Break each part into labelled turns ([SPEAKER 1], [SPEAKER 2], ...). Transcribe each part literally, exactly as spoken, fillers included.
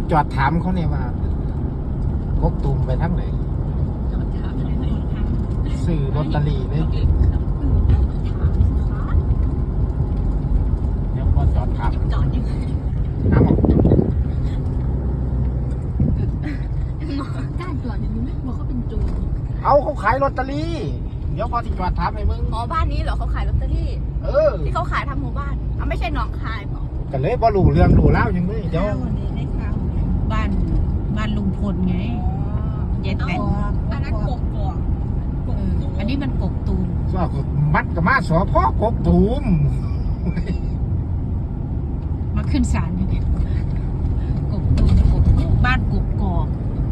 [SPEAKER 1] จอดถามเขาเนี่ยว่ากกตูมไปทั้งไหนสื่อลอตเตอรี่เลยเดี๋ยวพอจอดถามจอดยังไงน้ำออก
[SPEAKER 2] กล้าจอดอย่างนี้ไหมว่าเขาเป็นโจร
[SPEAKER 1] เอาเขาขายลอตเตอรี่เดี๋ยวพอที่จอดถามให้มึง
[SPEAKER 2] อ๋อบ้านนี้เหรอเขาขายลอตเตอรี่
[SPEAKER 1] เออ
[SPEAKER 2] ที่เขาขายทำหมู่บ้านอ่ะไม่ใช่หนองคายเปล่า
[SPEAKER 1] กันเลยบ่รู้เรื่องรู้เล่ายังไม่เดี๋ยว
[SPEAKER 3] บ้านบ้านลุงพลไงเจ็ดแปด
[SPEAKER 2] อันนั้นกกกอก
[SPEAKER 3] อันนี้มันกกตูม
[SPEAKER 1] ก็มัดกับมาสอพ่อกกตูม
[SPEAKER 3] มาขึ้นศาลอยู่เนี่ยกกตูมกกบ้านกกกอก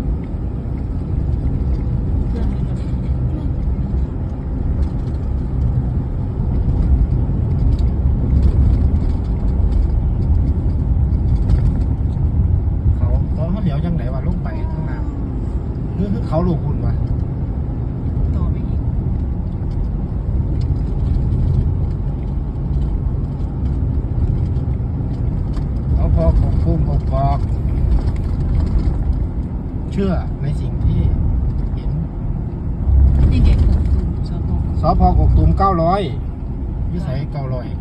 [SPEAKER 1] เขาเขาเหลียวยังไหนวะลงไปข้างหน้าคือคือเขาลูกคุณวะ
[SPEAKER 3] ต่อไปอีก
[SPEAKER 1] เขาพอกกตูมกกกอกเชื่อในสิ่งที่เห็น
[SPEAKER 3] นี่เด็กกกตูมสพ
[SPEAKER 1] สพกกตูมเก้าร้อยวิสัยเก้าร้อย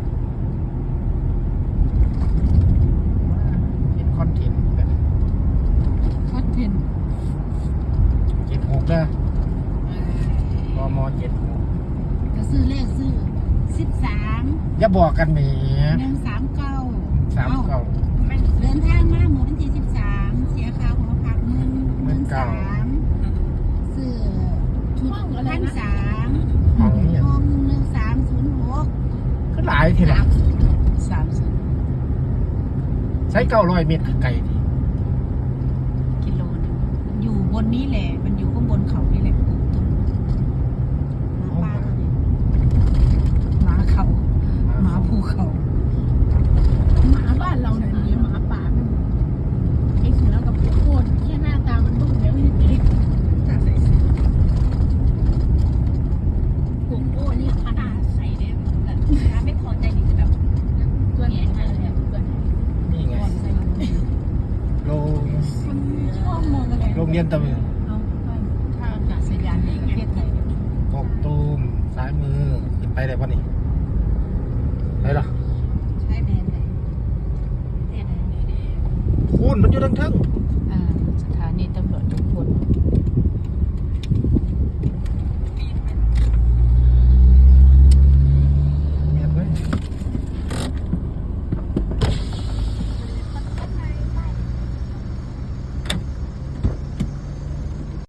[SPEAKER 1] เห็นคอนเทนต์กัน
[SPEAKER 3] คอนเทนต์
[SPEAKER 1] เจ็ดหกนะกมเจ็ดหก
[SPEAKER 3] ก็ซื้อเลขซื้อสิบสาม
[SPEAKER 1] อย่าบอกกันแหม
[SPEAKER 3] หนึ่งสามเก้า
[SPEAKER 1] สามเก้า
[SPEAKER 3] เดินทางมาเมื่อวันที่สิบสามเสียค่าหัวพักเงินหมื่นสามซื้อชุดพันสาม
[SPEAKER 1] ห้องนี้
[SPEAKER 3] ห้องหนึ่งสามศูนย์หก
[SPEAKER 1] ก็หลายทีละ
[SPEAKER 3] สามสิบ
[SPEAKER 1] ใช้เก้าร้อยเมตรไกลดิ
[SPEAKER 3] กิโลนึงอยู่บนนี้แหละมันอยู่ข้างบนเขานี่แหละกกตูมหมาป่าตัวนี้หมาเขาหมาภูเขา
[SPEAKER 2] หมาบ้านเราเนี่ยมีหมาป่ามันไอ้เสือกับพวกโคตรแค่หน้าตามันบึ้งแล้วนี่เด็กพวกโอ้นี่ขนาดใส่เนี่ยแบบถ้าไม่พอใจนี่จะแบบเพื่อนให้เลยเพื่อน
[SPEAKER 1] นี่ไงโรง
[SPEAKER 2] ชอบมองอะไร
[SPEAKER 1] โรงเรียนตะมือ
[SPEAKER 3] เอาท่าอากาศยานในประเทศไทย
[SPEAKER 1] กกตูมซ้ายมือขึ้นไปได้ปะนี่ไปหรอ
[SPEAKER 3] ใช้แดนไหนแดนไหน
[SPEAKER 1] คูณมันอยู่ทั้งทึ่ง